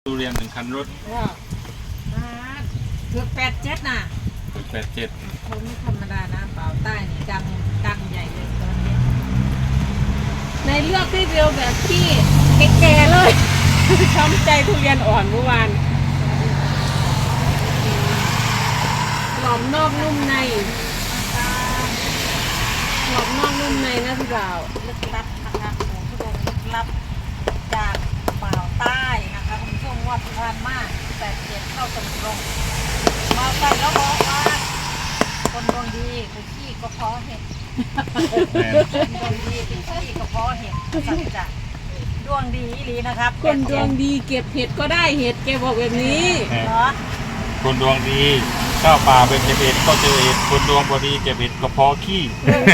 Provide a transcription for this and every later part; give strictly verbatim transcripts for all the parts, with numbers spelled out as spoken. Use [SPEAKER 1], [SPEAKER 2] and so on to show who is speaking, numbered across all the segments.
[SPEAKER 1] ทุเรียนหนึ่งคันรถ
[SPEAKER 2] เกือบแปดเจ็ดน่ะ
[SPEAKER 1] เกือบแปดเจ็ด
[SPEAKER 2] เขาไม่ธรรมดานะเปล่าใต้นี่ดังดังใหญ่เลยตอนนี้ในเลือกที่เดียวแบบที่แก่ๆเลยช้ำใจทุเรียนอ่อนเมื่อวานหลอมนอกนุ่มในหลอมนอกนุ่มในนะพี่บ่าวลึกลับนะคะโอ้ทุกคนลึกลับจากเปล่าใต้นะคะคุณผู้ชมว่าพิพานมากแปดเจ็ดเข้าตรงตรงมาใส่แล้วบอกว่าคนดวงดีคือขี้ก็เพาะเห็ดคนดวงดีคือขี้ก็เพาะเห็ดสัจจะดวงดีอีหลีนะครับคนดวงดีเก็บเห็ดก็ได้เห็ดแกบอกแบบนี้เหรอ
[SPEAKER 1] คนดวงดีเข้าป่าไปเก็บเห็ดก็เจอเห็ดคนดวงบดีเก็บเห็ดก็พอขี้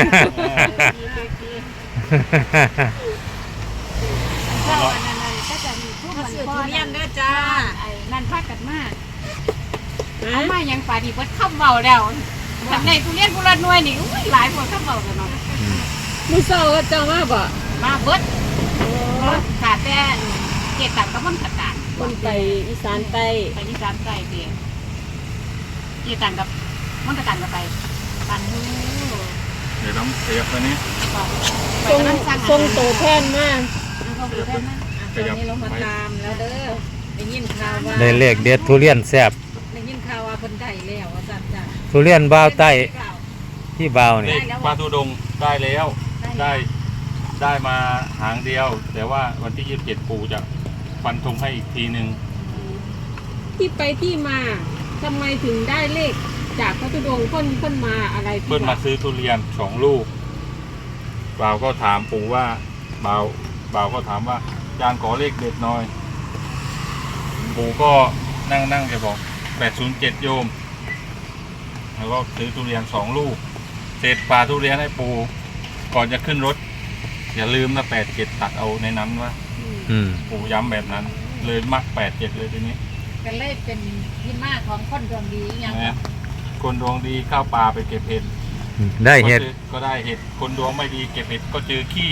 [SPEAKER 3] เข้าอันนั้นก็จะมีทุกคน
[SPEAKER 2] ทุเรียนด้วยจ้า
[SPEAKER 3] ไอ้นั่นพากันมากเอามายังป่าดีเบิดข้าวเบาแล้วทำในทุเรียนกุหลาบหน่วยนี่อุ้ยหลายคนข้าวเบากันเนาะ
[SPEAKER 2] มือเศร้าก็เจ้ามาบ่
[SPEAKER 3] มาเบิดขาแต่เกตังกับมันตะการ
[SPEAKER 2] คนไปอีสานใต้
[SPEAKER 3] ไปอีสานใต้เดียเกตังกับมันตะการกับไปปันหู
[SPEAKER 1] เดี๋ยวน้ำเสียบตัวนี้
[SPEAKER 2] ทรงทรงโตแท่นมาก
[SPEAKER 3] ทรงโตแท่นมาก
[SPEAKER 2] ตอนนี้เรามาตามแล้วเด้อได้ยินข่าวว่า
[SPEAKER 4] ได้เลขเด็ดทุเรียนแซ่บ
[SPEAKER 2] ได้ยินข่าวว่าเพิ่นได้แล้วอาจารย์จ้ะ
[SPEAKER 4] ทุเรียนบ่าวใต้ที่บ่าวนี่
[SPEAKER 1] ปลาทูดงได้แล้วได้ได้มาหางเดียวแต่ว่าวันที่ยี่สิบเจ็ดปู่จะฟันธงให้อีกทีหนึ่ง
[SPEAKER 2] ที่ไปที่มาทำไมถึงได้เลขจากพระธุดงค์เพิ่นเพิ่นมาอะไร
[SPEAKER 1] เพิ่นมาซื้อทุเรียนสองลูกบ่าวก็ถามปู่ว่าบ่าวบ่าวก็ถามว่าจานขอเลขเด็ดหน่อยปู่ก็นั่งนั่งแกบอกแปดศูนย์เจ็ดโยมแล้วก็ซื้อทุเรียนสองลูกเศษปลาทุเรียนให้ปู่ก่อนจะขึ้นรถอย่าลืมนะแปดเจ็ดตัดเอาในนั้นว่าปู่ย้ำแบบนั้นเลยมักแปดเจ็ดเลยทีนี้
[SPEAKER 2] กันเลยเป็นที่มาของคนดวงดีอย่าง
[SPEAKER 1] คนดวงดีเข้าป่าไปเก็บเห็ด
[SPEAKER 4] ได้เห็ด
[SPEAKER 1] ก็ได้เห็ดคนดวงไม่ดีเก็บเห็ดก็เจอขี้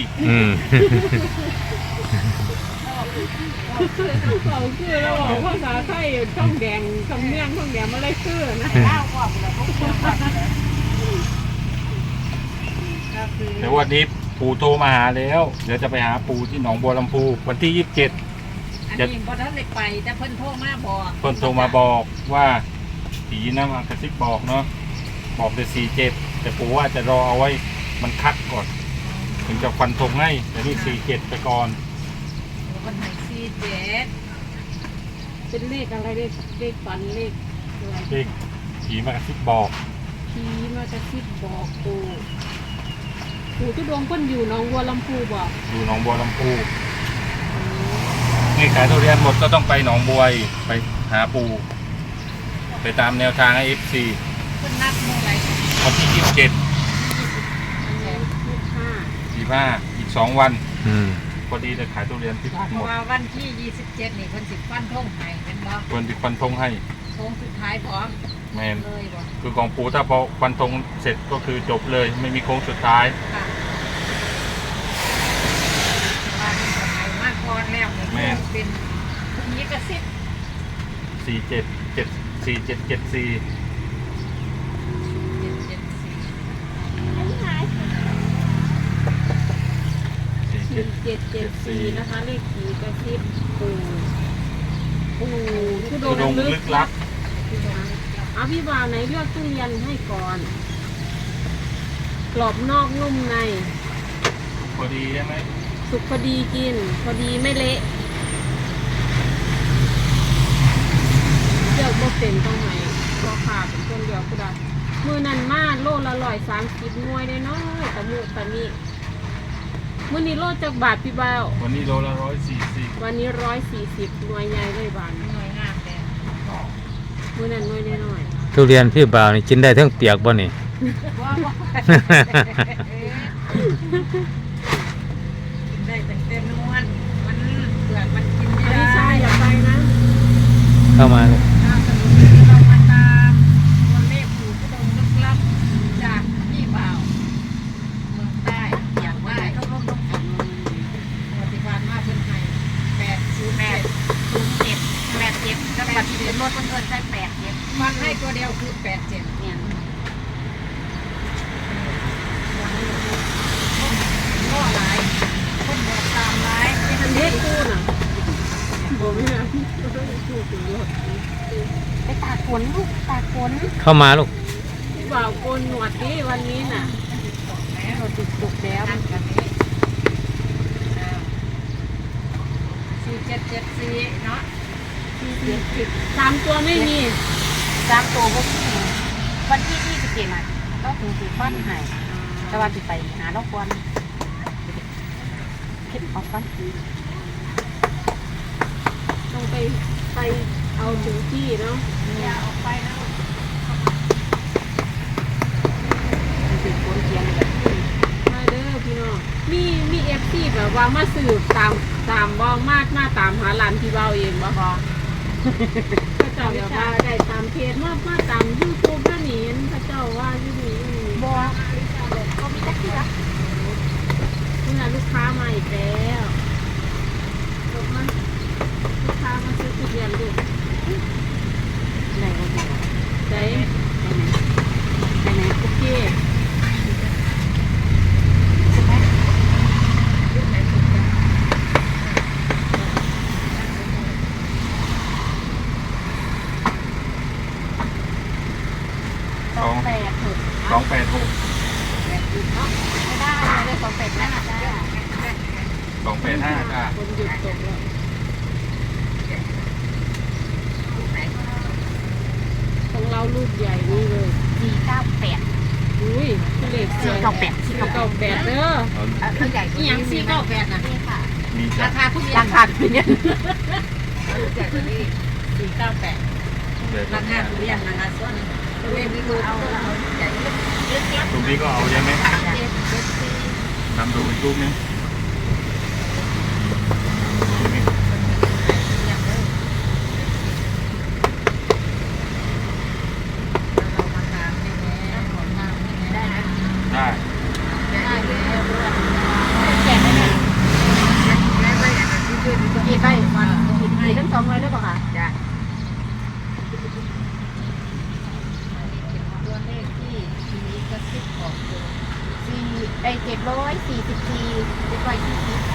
[SPEAKER 2] เขาคือเราบอกภาษาไทยช่องแดงช่องเมี่ยงช่องแดงอะไรคือนะเล่าว่า
[SPEAKER 1] แต่วันนี้ปู่โทรมาหาแล้วเดี๋ยวจะไปหาปู่ที่หนองบัวลำพูวันที่ยี่สิบเจ็ด
[SPEAKER 2] อันนี้พอท่านเลยไปแต่เพิ่นโทรมาบอก
[SPEAKER 1] เพิ่นโทรมาบอกว่าผีน้ำมากระซิบบอกเนาะบอกแต่สี่เจ็ดแต่ปู่ว่าจะรอเอาไว้มันคัดก่อนถึงจะฟันธงให้แต่นี่สี่เจ็ดไปก่อน
[SPEAKER 2] คนไหนสี่เจ็ดเป็นเลขอะไรเลขเลขฝันเลข
[SPEAKER 1] เลขผีมากระซิบบอก
[SPEAKER 2] ผีมากระซิบบอกปู่ปู่ทุดงเพิ่นอยู่หนองบัวลำพูบ่
[SPEAKER 1] อยู่หนองบัวลำพูนี่ขายทุเรียนหมดก็ต้องไปหนองบัวไปหาปู่ไปตามแนวทางให้เอฟซี
[SPEAKER 2] คุณนัดเมื่อไหร่
[SPEAKER 1] วันที่ยี่สิบเจ็ดยี่สิบห้าอีกสองวันพอดีจะขายทุเรียนที่บ้านหมด
[SPEAKER 2] วันที่ยี่สิบเจ็ดนี่คนสิบฟันทงให้เป็นบ่
[SPEAKER 1] คนสิบฟันทงให้
[SPEAKER 2] ทงสุดท้ายพร้อม
[SPEAKER 1] แมนคือของปู่ถ้าพอฟันธงเสร็จก็คือจบเลยไม่มีโค้งสุดท้าย
[SPEAKER 2] มากพอแล้วแม่เป็นนี้กระซิบ
[SPEAKER 1] สี่เจ็ดเจ็ดสี่เจ็ดเจ็ดสี่
[SPEAKER 2] สี่เจ็ดเจ็ดเจ็ดสี่นะคะเลขผีกระซิบปู่ปู่ทุดงลึกลับเอาพี่บ่าวไหนเลือกทุเรียนให้ก่อนกรอบนอกนุ่มใน
[SPEAKER 1] พอดีใช่ไหม
[SPEAKER 2] สุกพอดีกินพอดีไม่เละเลือกบ่เป็นต้องไหนก็ขาดเป็นคนเดียวก็ได้มือนันมาโลละร้อยสามสิบหน่วยได้น้อยแต่มือตอนนี้มื้อนี้โลจากบาทพี่บ่าว
[SPEAKER 1] วันนี้โลละร้อยสี่สิบ
[SPEAKER 2] วันนี้ร้อยสี่สิบหน่วยใหญ่เลยบาทหน่วยงามแต่มื้อนั้นหน่วยน้อย
[SPEAKER 4] ทุเรียนพี่บ่าวนี่กินได้ทั้งเปียกบ่นี่
[SPEAKER 2] ได้แต่เต็มนวลมันเปลือกมันกินไม่ได้ใช่อย่าไปนะ
[SPEAKER 4] เข้ามาเลย
[SPEAKER 2] เรามาตามตัวเลขปู่ทุดงลึกลับจากพี่บ่าวเมืองใต้อย่างว่าต้องร่วมต้องผลปฏิบัติมาเพิ่นไทยแปดศูนย์แปดศูนย์เจ็ด
[SPEAKER 3] บัตรทะเบียนรถเพิ่นเอิ้นใส่แปดเจ็ด
[SPEAKER 2] มันให้ตัวเดียวคือแปดเจ็ด
[SPEAKER 3] เนี่ย
[SPEAKER 2] ก็หลายคนบอกตามหลายเป็นอัน
[SPEAKER 5] เด็
[SPEAKER 2] นี้
[SPEAKER 5] กคู่น่ะบ่มีนะคู่ถึงรถ
[SPEAKER 3] ไปตากฝนลูกตากฝน
[SPEAKER 4] เข้ามาลูก
[SPEAKER 5] บ่าวโกนหนวดดิวันนี้น่ะ
[SPEAKER 3] รถติดตุกแล้ว
[SPEAKER 2] อันกันนี้สี่เจ็ดเจ็ดสี่เนาะ
[SPEAKER 5] สามตัวไม่มี
[SPEAKER 3] สามตัวพวกนี้วันที่ยี่สิบเจ็ดอ่ะก็ถึงสี่ฟันใหายแต่วันที่ไปหาดอกควันคิดออกฟัน
[SPEAKER 5] ต้องไปไปเอาถึงที่เนาะ
[SPEAKER 2] อย่าออกไปนะ
[SPEAKER 3] ติดฝนเทียนแบบ
[SPEAKER 5] มาเด้อพี่น้องมีมีเอฟซีแบบว่ามาสืบตามตามบ่มากมาตามหาร้านที่เบาเองบ่พอพระเจ้าแบบว่าได้ตามเพจมามาตามยูทูบก็หนีพระเจ้าว่าอยู่นี่อยู่นี่
[SPEAKER 3] บัวก็มีจักที่รัก
[SPEAKER 5] นี่นะลูกค้ามาอีกแล้วจบมาลูกค้ามาซื้อทุเรียนดู
[SPEAKER 3] ไหนก็ได้
[SPEAKER 5] ใจ
[SPEAKER 3] ไปไหน
[SPEAKER 5] โอเค
[SPEAKER 3] ใช่ไหม
[SPEAKER 1] สอง
[SPEAKER 3] แปดหก
[SPEAKER 1] สองแปดหก
[SPEAKER 3] ไม่ได้เลยสองแปดนั่นอ่ะจ้า
[SPEAKER 1] สองแปดห้าค่ะ
[SPEAKER 5] คนหยุดตกแล้วของเราลูกใหญ่นี่เลย
[SPEAKER 3] สี่เก้าแปด
[SPEAKER 5] อุ้ยเลขสวย
[SPEAKER 3] สี่เก้าแปด
[SPEAKER 5] สี่เก้าแปดเด้อ
[SPEAKER 1] เอา
[SPEAKER 3] ตัวใหญ่
[SPEAKER 2] อีหยังสี่เก้าแปดนะ
[SPEAKER 3] นี่ค่ะ
[SPEAKER 1] มีจ้ะ
[SPEAKER 2] ราคาทุเรียน
[SPEAKER 3] ราคาเป็นยัง
[SPEAKER 2] สี่เก้าแปดราคาทุเรียนนะคะส่วนทุเรียนที่ดูเอาเอาใหญ่เล็กเล็กเล็ก
[SPEAKER 1] รูปนี้ก็เอาใช่ไหม
[SPEAKER 2] เจ็ดเจ็ดสี่
[SPEAKER 1] ทำดูอีกรูปนึงนี่
[SPEAKER 2] อย่างเดิมเรามาตามได้แล้วขอตามได้ไหม
[SPEAKER 1] ได้
[SPEAKER 2] ได้แล้วด้วย
[SPEAKER 3] แจกได้ไหม
[SPEAKER 2] ได้ไหมอย่างนั้นที่ช่วยดูตัว
[SPEAKER 3] กี่ใบ
[SPEAKER 2] วัน
[SPEAKER 3] กี่กี่ทั้งสองเลยหรือเปล่าคะ
[SPEAKER 2] จ้ะตัวเลขที่ทีนี้กระซิบบอกเลย
[SPEAKER 3] สี่ไอเจ็ดร้อยสี่สิบสี่เจ็ดร้อยสี่สิบ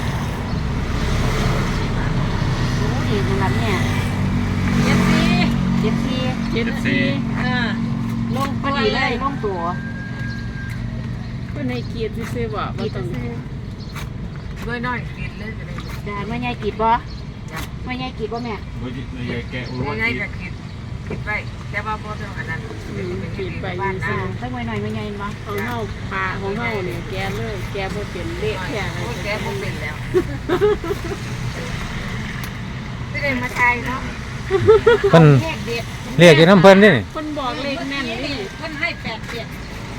[SPEAKER 3] โอ้ดีตรงนั้นเนี่ย
[SPEAKER 2] เจ็ดสี่
[SPEAKER 3] เจ็ดสี่
[SPEAKER 5] เจ็ดสี่
[SPEAKER 2] อ่าลง
[SPEAKER 3] พ
[SPEAKER 2] ตั
[SPEAKER 3] อ
[SPEAKER 2] ว
[SPEAKER 3] ดี
[SPEAKER 2] เล
[SPEAKER 3] เลย
[SPEAKER 2] ย
[SPEAKER 3] ล่องตัว
[SPEAKER 5] เพื่อนให้เกียรติซื้อๆบ่บ่
[SPEAKER 3] กีด
[SPEAKER 5] ต้อง
[SPEAKER 3] ซื้อ
[SPEAKER 2] ด้วยน้อยกินเลยจะได้
[SPEAKER 3] ได้เมื่อไงกีดบ่เมื่อไงกีดบ่แม่
[SPEAKER 1] โดยโดยแกะรู้ว่า
[SPEAKER 2] ง่าย
[SPEAKER 1] ที่
[SPEAKER 2] ๆก็คิดคิดไปแต่ว่าพอเรื่องอันนั้น
[SPEAKER 5] ขีดไป
[SPEAKER 2] บ้าน
[SPEAKER 5] ซื้
[SPEAKER 2] นะ
[SPEAKER 5] อ
[SPEAKER 3] ตั้งไว้หน่อยเมื่อไงบ่
[SPEAKER 5] ของเฮาปลาของเฮาเนี่ยแกเลยแกบ่เป็นเละแค่ไหน
[SPEAKER 2] โอ้ยแกบ่เป็นแล้วไม่ได้มาทายเนาะ
[SPEAKER 4] เพิ่น
[SPEAKER 3] เลขเด็ด
[SPEAKER 4] เรียกอยู่น้ำเพิ่นนี่นี่
[SPEAKER 5] คนบอกเลขแม่นนี่
[SPEAKER 2] เพิ่นให้แปดเจ็ด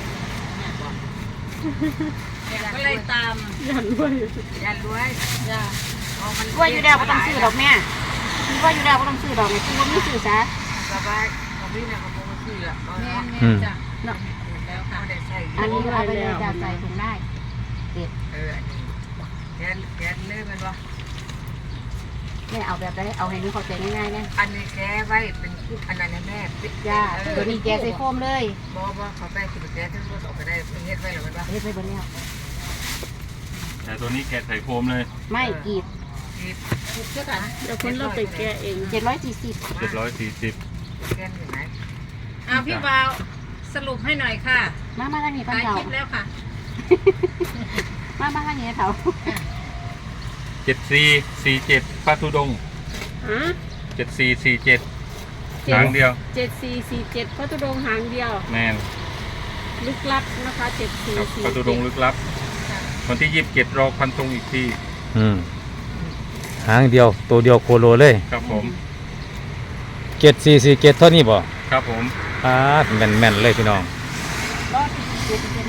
[SPEAKER 2] ก็เลยตาม
[SPEAKER 5] ยันด้วย
[SPEAKER 2] ยันรวยจ้าเอามัน
[SPEAKER 3] ว่าอยู่แล้วก็ต้องซื้อดอกแม่คิดว่าอยู่แล้วก็ต้องซื้อดอกเนี่ยคือว่าไม่ซื้อซะ
[SPEAKER 2] สบายของพี่น่ะก็บ่ซื้อละแม่แม่จ้ะเนาะแล้วค่ะได้ใส่
[SPEAKER 3] อันนี้เอาไปเลยจะใส่ถุงได้
[SPEAKER 2] เออแกนแกนเลยมันบ่
[SPEAKER 3] แม่เอาแบบได้เอาให้หนูเข้าใจง่ายๆนะ
[SPEAKER 2] อันนี้แกไว้เป็นคู่อันนั้นแม่
[SPEAKER 3] จ้าตัวนี้แกใส่โฟมเลย
[SPEAKER 2] บ่บ่เขาไปสิแกทั้งหมดออกไปได้เฮ็ดไว้แล้วมันบ่
[SPEAKER 3] เฮ็ดไปบนแล้ว
[SPEAKER 1] แต่ตัวนี้แกะใส่โฟมเลย
[SPEAKER 3] ไม่กีด
[SPEAKER 2] คิดคิดเท่ากัน
[SPEAKER 5] เดี๋ยวคนเราไปแกะเอง
[SPEAKER 3] เจ็ดร้อยสี่สิบ
[SPEAKER 1] เจ็ดร้อยสี่สิบ
[SPEAKER 2] แกนอยู่ไหนอ่าพี่บ่าวสรุปให้หน่อยค่ะ
[SPEAKER 3] มามาทางนี้ป้า
[SPEAKER 2] ถ่าย
[SPEAKER 3] เต่า
[SPEAKER 2] คลิปแล้วค่ะ
[SPEAKER 3] มามาทางนี้เต่า
[SPEAKER 1] เจ็ดสี่สี่เจ็ดพระธุดงค์
[SPEAKER 5] ฮะ
[SPEAKER 1] เจ็ดสี่สี่เจ็ดหางเดียว
[SPEAKER 5] เจ็ดสี่สี่เจ็ดพระตุดงค์หางเดียว
[SPEAKER 1] แมน
[SPEAKER 5] ลึกลับนะคะเจ็ดสี่
[SPEAKER 1] ครับ
[SPEAKER 5] สี่
[SPEAKER 1] พระธุดงค์ลึกลับวันที่ยี่สิบเจ็ดรอพันตรงอีกที
[SPEAKER 4] อืมหางเดียวตัวเดียวโคโลเลย
[SPEAKER 1] ครับผม
[SPEAKER 4] เจ็ดสี่สี่เจ็ดเท่านี้บ่
[SPEAKER 1] ครับผม
[SPEAKER 4] อ่าแม่นแม่นๆเลยพี่น้อง
[SPEAKER 3] รอดเจ็ดเจ็ด